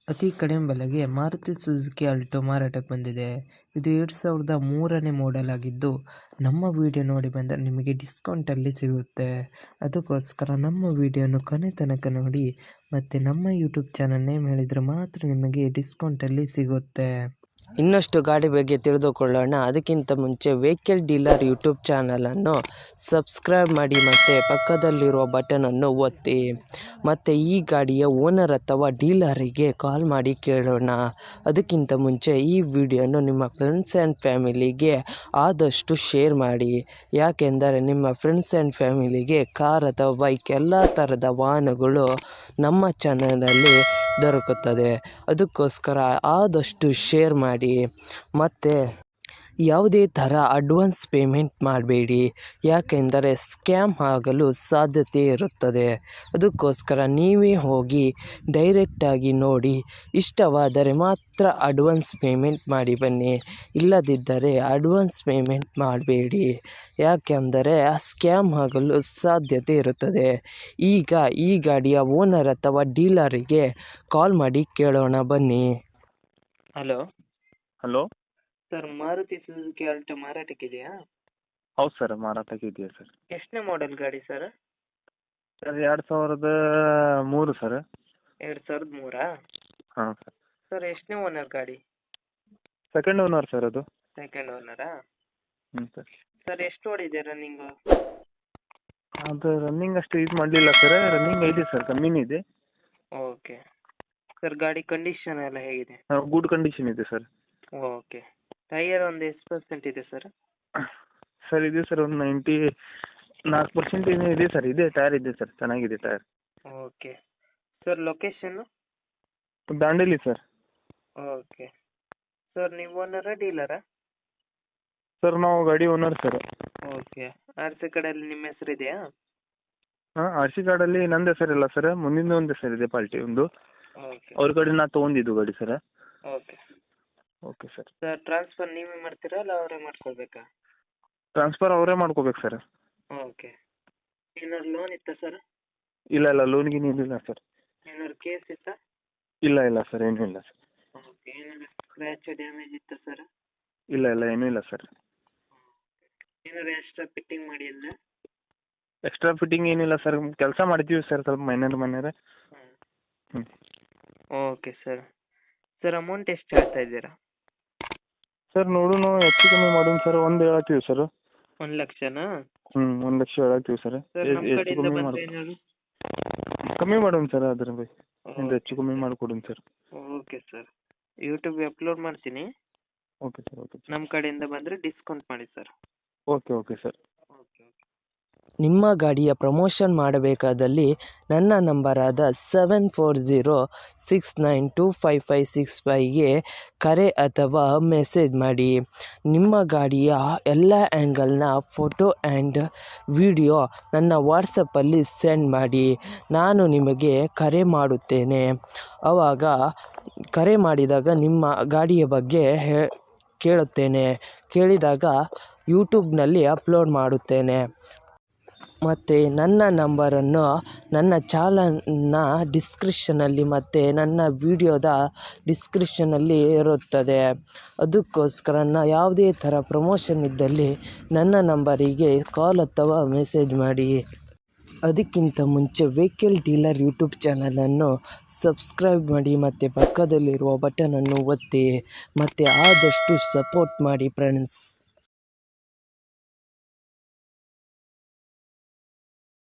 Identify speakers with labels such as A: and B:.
A: ಅತಿ ಕಡಿಮೆ ಬೆಲೆಗೆ ಮಾರುತಿ ಸುಜುಕಿ ಆಲ್ಟೋ ಮಾರಾಟಕ್ಕೆ ಬಂದಿದೆ. ಇದು 2003ನೇ ಮಾಡೆಲ್ ಆಗಿದ್ದು, ನಮ್ಮ ವಿಡಿಯೋ ನೋಡಿ ಬಂದರೆ ನಿಮಗೆ ಡಿಸ್ಕೌಂಟಲ್ಲಿ ಸಿಗುತ್ತೆ. ಅದಕ್ಕೋಸ್ಕರ ನಮ್ಮ ವಿಡಿಯೋನ ಕೊನೆ ತನಕ ನೋಡಿ ಮತ್ತು ನಮ್ಮ ಯೂಟ್ಯೂಬ್ ಚಾನಲ್ ನೇಮ್ ಹೇಳಿದರೆ ಮಾತ್ರ ನಿಮಗೆ ಡಿಸ್ಕೌಂಟಲ್ಲಿ ಸಿಗುತ್ತೆ. ಇನ್ನಷ್ಟು ಗಾಡಿ ಬಗ್ಗೆ ತಿಳಿದುಕೊಳ್ಳೋಣ. ಅದಕ್ಕಿಂತ ಮುಂಚೆ ವೆಹಿಕಲ್ ಡೀಲರ್ ಯೂಟ್ಯೂಬ್ ಚಾನಲನ್ನು ಸಬ್ಸ್ಕ್ರೈಬ್ ಮಾಡಿ ಮತ್ತು ಪಕ್ಕದಲ್ಲಿರುವ ಬಟನನ್ನು ಒತ್ತಿ. ಮತ್ತು ಈ ಗಾಡಿಯ ಓನರ್ ಅಥವಾ ಡೀಲರಿಗೆ ಕಾಲ್ ಮಾಡಿ ಕೇಳೋಣ. ಅದಕ್ಕಿಂತ ಮುಂಚೆ ಈ ವಿಡಿಯೋನು ನಿಮ್ಮ ಫ್ರೆಂಡ್ಸ್ ಆ್ಯಂಡ್ ಫ್ಯಾಮಿಲಿಗೆ ಆದಷ್ಟು ಶೇರ್ ಮಾಡಿ. ಯಾಕೆಂದರೆ ನಿಮ್ಮ ಫ್ರೆಂಡ್ಸ್ ಆ್ಯಂಡ್ ಫ್ಯಾಮಿಲಿಗೆ ಕಾರ್ ಅಥವಾ ಬೈಕ್ ಎಲ್ಲ ಥರದ ವಾಹನಗಳು ನಮ್ಮ ಚಾನಲಲ್ಲಿ ದೊರಕುತ್ತದೆ. ಅದಕ್ಕೋಸ್ಕರ ಆದಷ್ಟು ಶೇರ್ ಮಾಡಿ. ಮತ್ತು ಯಾವುದೇ ಥರ ಅಡ್ವಾನ್ಸ್ ಪೇಮೆಂಟ್ ಮಾಡಬೇಡಿ, ಯಾಕೆಂದರೆ ಸ್ಕ್ಯಾಮ್ ಆಗಲು ಸಾಧ್ಯತೆ ಇರುತ್ತದೆ. ಅದಕ್ಕೋಸ್ಕರ ನೀವೇ ಹೋಗಿ ಡೈರೆಕ್ಟಾಗಿ ನೋಡಿ, ಇಷ್ಟವಾದರೆ ಮಾತ್ರ ಅಡ್ವಾನ್ಸ್ ಪೇಮೆಂಟ್ ಮಾಡಿ ಬನ್ನಿ. ಇಲ್ಲದಿದ್ದರೆ ಅಡ್ವಾನ್ಸ್ ಪೇಮೆಂಟ್ ಮಾಡಬೇಡಿ, ಯಾಕೆಂದರೆ ಸ್ಕ್ಯಾಮ್ ಆಗಲು ಸಾಧ್ಯತೆ ಇರುತ್ತದೆ. ಈಗ ಈ ಗಾಡಿಯ ಓನರ್ ಅಥವಾ ಡೀಲರಿಗೆ ಕಾಲ್ ಮಾಡಿ ಕೇಳೋಣ ಬನ್ನಿ. Hello
B: hello
A: sir, Maruti Suzuki Alto ಮಾರಾಟಕ್ಕಿದೆಯಾ?
B: ಹೌದು ಸರ್, ಮಾರಾಟಕ್ಕೆ ಇದೆಯಾ ಸರ್?
A: ಎಷ್ಟನೇ ಮಾಡೆಲ್ ಗಾಡಿ ಸರ್?
B: Sir 2003 sir.
A: 2003?
B: ಹಾಂ ಸರ್.
A: ಸರ್ ಎಷ್ಟನೇ ಓನರ್ ಗಾಡಿ?
B: ಸೆಕೆಂಡ್ ಓನರ್ ಸರ್ ಅದು.
A: ಸೆಕೆಂಡ್ ಓನರಾ?
B: ಹ್ಞೂ ಸರ್.
A: ಸರ್ ಎಷ್ಟು ಓಡಿದೆ ರನ್ನಿಂಗು?
B: ಅದು ರನ್ನಿಂಗ್ ಅಷ್ಟು ಇದು ಮಾಡಲಿಲ್ಲ ಸರ್. ರನ್ನಿಂಗ್ ಇದೆ ಸರ್, ಕಮ್ಮಿನೇ ಇದೆ.
A: ಓಕೆ ಸರ್, ಗಾಡಿ ಕಂಡೀಷನ್ ಎಲ್ಲ ಹೇಗಿದೆ?
B: ಗುಡ್ ಕಂಡೀಷನ್ ಇದೆ ಸರ್.
A: ಓಕೆ. ಟೈಯರ್ ಒಂದು ಎಷ್ಟು ಪರ್ಸೆಂಟ್ ಇದೆ ಸರ್?
B: ಸರ್ ಇದೆ ಸರ್, ಒಂದು 94% ಏನೋ ಇದೆ ಸರ್. ಇದೆ, ಟೈರ್ ಇದೆ ಸರ್, ಚೆನ್ನಾಗಿದೆ tyre.
A: Okay sir, location?
B: Dandeli sir.
A: Okay sir, ನೀವು ಓನರಾ ಡೀಲರಾ?
B: ಸರ್ ನಾವು ಗಾಡಿ owner sir.
A: Okay. R C ಕಡೆಯಲ್ಲಿ ನಿಮ್ಮ ಹೆಸರು ಇದೆಯಾ?
B: ಹಾಂ, ಆರ್ ಸಿ ಕಾರ್ಡಲ್ಲಿ ನಂದು ಹೆಸರಿಲ್ಲ ಸರ್, ಮುಂದಿನ ಒಂದು ಹೆಸರಿದೆ ಪಾರ್ಟಿ ಒಂದು.
A: ಓಕೆ.
B: ಅವ್ರ ಕಡೆ ನಾ ತೊಗೊಂಡಿದ್ದು ಗಾಡಿ sir.
A: Okay
B: okay sir.
A: Sir, transfer ನೀವೇ ಮಾಡ್ತೀರಾ ಅಲ್ಲ ಅವರೇ ಮಾಡಿಸ್ಕೊಳ್ಬೇಕಾ?
B: ಟ್ರಾನ್ಸ್ಫರ್ ಅವರೇ ಮಾಡ್ಕೋಬೇಕು ಸರ್.
A: ಓಕೆ. ಏನಾದ್ರು ಲೋನ್ ಇತ್ತಾ ಸರ್?
B: ಇಲ್ಲ ಲೋನ್ಗೆ ಏನಿಲ್ಲ ಸರ್.
A: ಏನಾದ್ರು ಕೇಸ್ ಇತ್ತಾ?
B: ಇಲ್ಲ ಸರ್, ಏನೂ ಇಲ್ಲ ಸರ್.
A: ಓಕೆ. ಏನಾದ್ರು ಸ್ಕ್ರ್ಯಾಚ್ ಡ್ಯಾಮೇಜ್ ಇತ್ತಾ ಸರ್?
B: ಇಲ್ಲ ಏನೂ ಇಲ್ಲ ಸರ್.
A: ಏನಾದ್ರು ಎಕ್ಸ್ಟ್ರಾ ಫಿಟ್ಟಿಂಗ್ ಮಾಡಿ ಅಂದ್ರೆ?
B: ಎಕ್ಸ್ಟ್ರಾ ಫಿಟ್ಟಿಂಗ್ ಏನಿಲ್ಲ ಸರ್, ಕೆಲಸ ಮಾಡ್ತೀವಿ ಸರ್, ಸ್ವಲ್ಪ ಮೈನರ್. ಹ್ಞೂ.
A: Okay sir. ಸರ್, ಅಮೌಂಟ್ ಎಷ್ಟು ಹೇಳ್ತಾ ಇದ್ದೀರಾ?
B: ಸರ್ ನೋಡೋಣ, ಹೆಚ್ಚು ಕಮ್ಮಿ ಮಾಡೋಣ ಸರ್. 1 ಹೇಳತ್ತೀವಿ ಸರ್.
A: 1 ಲಕ್ಷನಾ?
B: 1 ಲಕ್ಷ ಹೇಳತ್ತೀವಿ ಸರ್.
A: ಸರ್, ನಮ್ಮ
B: ಹೆಚ್ಚು
A: ಕಡೆಯಿಂದ
B: ಕಮ್ಮಿ
A: ಬಂದರೆ ಏನಾದ್ರು?
B: ಕಮ್ಮಿ ಮಾಡೋಣ ಸರ್, ಅದ್ರ ಬಗ್ಗೆ ಹೆಚ್ಚು ಕಮ್ಮಿ ಮಾಡಿಕೊಡೋಣ ಸರ್.
A: ಓಕೆ ಸರ್, ಯೂಟ್ಯೂಬ್ಗೆ ಅಪ್ಲೋಡ್ ಮಾಡ್ತೀನಿ.
B: Okay sir.
A: ನಮ್ಮ ಕಡೆಯಿಂದ ಬಂದರೆ ಡಿಸ್ಕೌಂಟ್ ಮಾಡಿ ಸರ್.
B: Okay sir.
A: ನಿಮ್ಮ ಗಾಡಿಯ ಪ್ರಮೋಷನ್ ಮಾಡಬೇಕಾದಲ್ಲಿ ನನ್ನ ನಂಬರಾದ 7406925565ಗೆ ಕರೆ ಅಥವಾ ಮೆಸೇಜ್ ಮಾಡಿ. ನಿಮ್ಮ ಗಾಡಿಯ ಎಲ್ಲ ಆ್ಯಂಗಲ್ನ ಫೋಟೋ ಆ್ಯಂಡ್ ವಿಡಿಯೋ ನನ್ನ ವಾಟ್ಸಪ್ಪಲ್ಲಿ ಸೆಂಡ್ ಮಾಡಿ. ನಾನು ನಿಮಗೆ ಕರೆ ಮಾಡುತ್ತೇನೆ. ಆವಾಗ ಕರೆ ಮಾಡಿದಾಗ ನಿಮ್ಮ ಗಾಡಿಯ ಬಗ್ಗೆ ಕೇಳಿದಾಗ ಯೂಟ್ಯೂಬ್ನಲ್ಲಿ ಅಪ್ಲೋಡ್ ಮಾಡುತ್ತೇನೆ. ಮತ್ತು ನನ್ನ ನಂಬರನ್ನು ನನ್ನ ಚಾನಲ್ನ ಡಿಸ್ಕ್ರಿಪ್ಷನಲ್ಲಿ ಮತ್ತು ನನ್ನ ವಿಡಿಯೋದ ಡಿಸ್ಕ್ರಿಪ್ಷನಲ್ಲಿ ಇರುತ್ತದೆ. ಅದಕ್ಕೋಸ್ಕರ ಯಾವುದೇ ಥರ ಪ್ರಮೋಷನ್ ಇದ್ದಲ್ಲಿ ನನ್ನ ನಂಬರಿಗೆ ಕಾಲ್ ಅಥವಾ ಮೆಸೇಜ್ ಮಾಡಿ. ಅದಕ್ಕಿಂತ ಮುಂಚೆ ವೆಹಿಕಲ್ ಡೀಲರ್ ಯೂಟ್ಯೂಬ್ ಚಾನಲನ್ನು ಸಬ್ಸ್ಕ್ರೈಬ್ ಮಾಡಿ ಮತ್ತು ಪಕ್ಕದಲ್ಲಿರುವ ಬಟನನ್ನು ಒತ್ತಿ ಮತ್ತು ಆದಷ್ಟು ಸಪೋರ್ಟ್ ಮಾಡಿ ಫ್ರೆಂಡ್ಸ್.